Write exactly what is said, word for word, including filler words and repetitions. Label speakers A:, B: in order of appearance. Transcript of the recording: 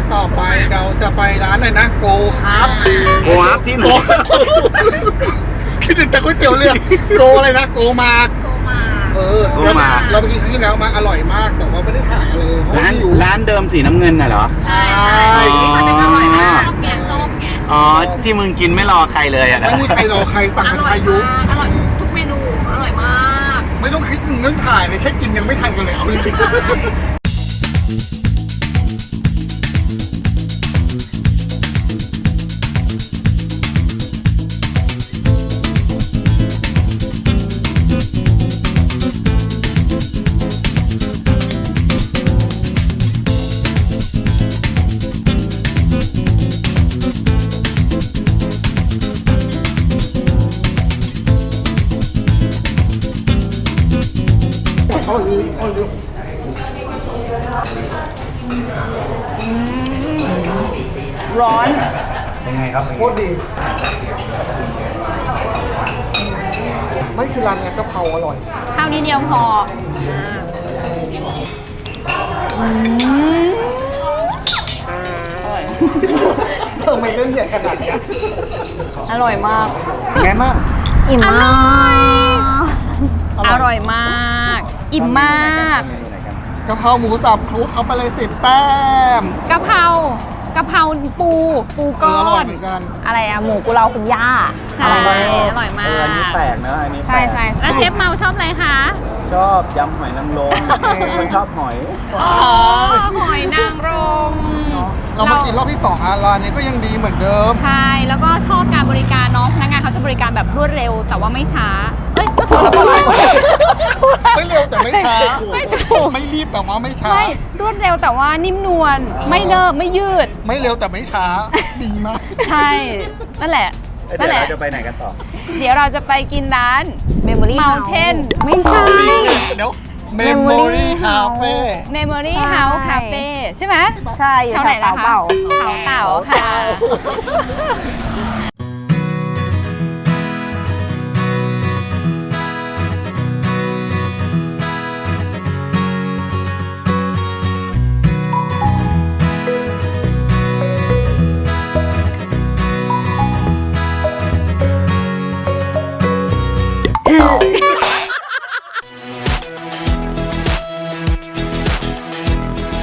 A: ต่อไปเราจะไปร้านอะไรนะโกฮับ
B: โกฮับที่ไหน
A: คิดถึงแต่ก๋วยเตี๋ยวเรือโกอะไรนะโกมา
C: โทรมา
A: เออเราไปกินครั้งที่แล้วมาอร่อยมากแต่ว่าไม่ได้ถ่ายเลยเพราะ
B: ร้าน
A: อยู่
B: ร้านเดิมสีน้ำเงินน่ะเหรอ
A: ใช่
C: ที่มันเป็นอร่อยมากส้มไงส้มไง
B: อ๋อที่มึงกินไม่รอใครเลยอ่ะนะ
A: ไม่มีใครรอใครสั่ง
C: อ
A: เป็น
C: ร่อ
A: พายยุ
C: มากอร่อยทุกเมนูอร่อยมาก
A: ไม่ต้องคิดถึงเรื่องถ่ายเลยแค่กินยังไม่ทันกันเลยเอาจริงๆ เอาดีเอาดี
D: ร้อน
B: เป็นไงครับ
A: โคตรดีไม่คือร้านเนี้ยกะเพราอร่อย
D: ข้าวนิดเดียวพออืมอร่อย
A: เธอไม่เล่นใหญ่ขนาดเนี้ย
D: อร่อยมาก
B: เป็นไงบ้าง
D: อิ่มมาก อร่อยมาก อิ่มมาก
A: กะเพราหมูสับคลุกเอาไปเลยสิบแต้ม
D: กะเพรากะเพราปู ปู
A: เอ
D: ก้
A: อ
D: อ
A: อร่อย
D: น
A: เหมือนกัน
E: อะไรอะหมูกุเลาคุณย่า
D: ใช่ อร่อยมา
B: เอออันนี้
D: ก
B: แปลกนะอันนี้
E: ใช่ใช่
D: แล้วเชฟเมาชอบอะไรคะ
B: ชอบยำหอยนางรมคนชอบหอย
D: อ๋อ หอยนางรม
A: เรามากินรอบที่สองอ่ะร้านนี้ก็ยังดีเหมือนเดิม
D: ใช่ แล้วก็ชอบการบริการเนาะพนักงานเขาจะบริการแบบรวดเร็ว แต่ว่าไม่ช้า เอ้ย ก็ถูกแล้วก็ถูก
A: ไม่เร็วแต่ไม่ช้า
D: ไม่ช้า
A: ไม่รีบแต่ว่าไม่ช้า
D: ไม่รวดเร็วแต่ว่านิ่มนวล ไม่เนิบไม่ยืด
A: ไม่เร็วแต่ไม่ช้า ดีมาก
D: ใช่ นั่นแหละ
B: เดี๋
D: นั่
B: ย
D: น
B: ว
D: แหละ
B: เราจะไปไหนกันต่อ
D: เดี๋ยวเราจะไปกินร้าน
E: เมมโมรี่
D: Mountain
E: ไม่ใช่
A: เดี๋ยว Memory Cafe
D: Memory
E: ใช่
D: House Cafe ใช่ไหม
E: ใช่อยู่
D: แถว
E: แถ
D: ไหน
E: ว
D: ล่ะ
E: เต่า
D: คะ
E: เป่า
D: เขาเต่าค่ะ